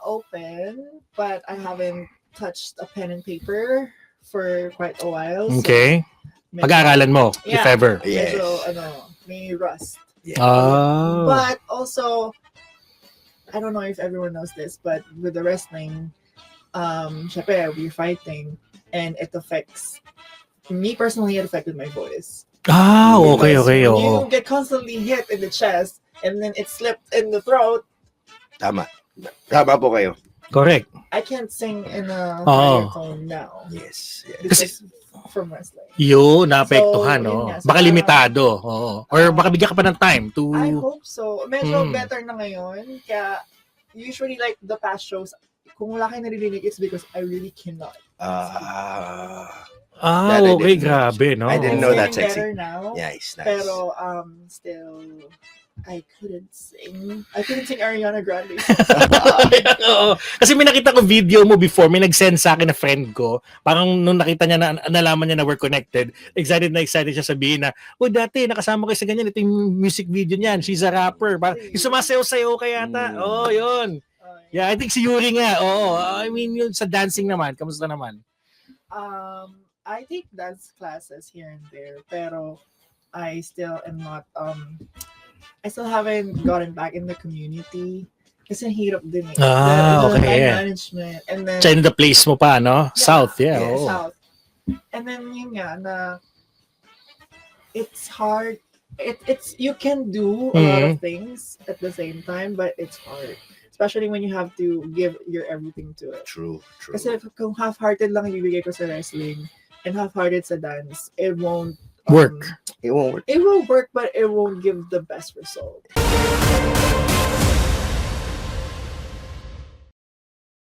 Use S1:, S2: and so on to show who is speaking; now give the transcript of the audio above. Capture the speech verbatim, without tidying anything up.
S1: open, but I haven't touched a pen and paper for quite a while.
S2: Okay.
S1: So
S2: Pag-aaralan mo,
S1: yeah,
S2: if ever.
S3: Yes.
S1: medyo, ano, may rust.
S3: Yeah.
S2: Oh.
S1: But also, I don't know if everyone knows this, but with the wrestling, um, syempre, we're fighting, and it affects me personally. It affected my voice.
S2: Ah, okay,
S1: Because
S2: okay,
S1: when
S2: oo.
S1: you get constantly hit in the chest, and then it slipped in the throat.
S3: Tama. Tama po kayo.
S2: Correct.
S1: I can't sing in a
S2: Oo.
S1: higher tone now
S3: Yes. yes.
S1: because from wrestling.
S2: Yun, naapektuhan,
S1: So,
S2: no?
S1: yun nga. So,
S2: Baka
S1: parang-
S2: limitado. Oo. Or
S1: Ah.
S2: baka bigyan ka pa ng time to...
S1: I hope so. Medyo
S2: Mm.
S1: better na ngayon. Kaya usually like the past shows, kung wala kayo naririnig, it's because I really cannot.
S3: Ah.
S2: Ah,
S3: That I
S2: okay,
S3: didn't-
S2: grabe, no?
S3: I didn't
S1: It's
S3: know
S1: getting
S3: that, Sexy.
S1: better now.
S3: Nice, nice.
S1: Pero um still I couldn't sing. I couldn't sing Ariana Grande.
S2: Oo. Kasi may nakita ko video mo before, may nag-send sa akin na friend ko, parang nung nakita niya na, nalaman niya na we're connected, excited na excited siya sabihin na, oh dati, nakasama ko sa ganyan, ito yung music video niyan, she's a rapper, parang, yung sumasayaw-sayaw ka yata,
S3: Mm.
S2: oo, oh, yun.
S1: Uh,
S2: Yeah, I think si Yuri nga, oo, I mean, yun sa dancing naman, kamusta naman?
S1: Um I take dance classes here and there, pero I still am not um I still haven't gotten back in the community. Kasi ang hirap din eh.
S2: Ah,
S1: the, the
S2: okay,
S1: time
S2: yeah.
S1: management. And then,
S2: Sa in the place mo pa, no? South, yeah,
S1: yeah,
S2: oo.
S1: South. And then yun nga na it's hard. It it's you can do a lot of
S2: Mhm.
S1: things at the same time, but it's hard. Especially when you have to give your everything to it.
S3: True, true.
S1: Kasi if, kung half-hearted lang ibibigay ko sa wrestling and half-hearted sa dance, it won't um,
S2: Work.
S3: It won't work.
S1: It will work, but it won't give the best result.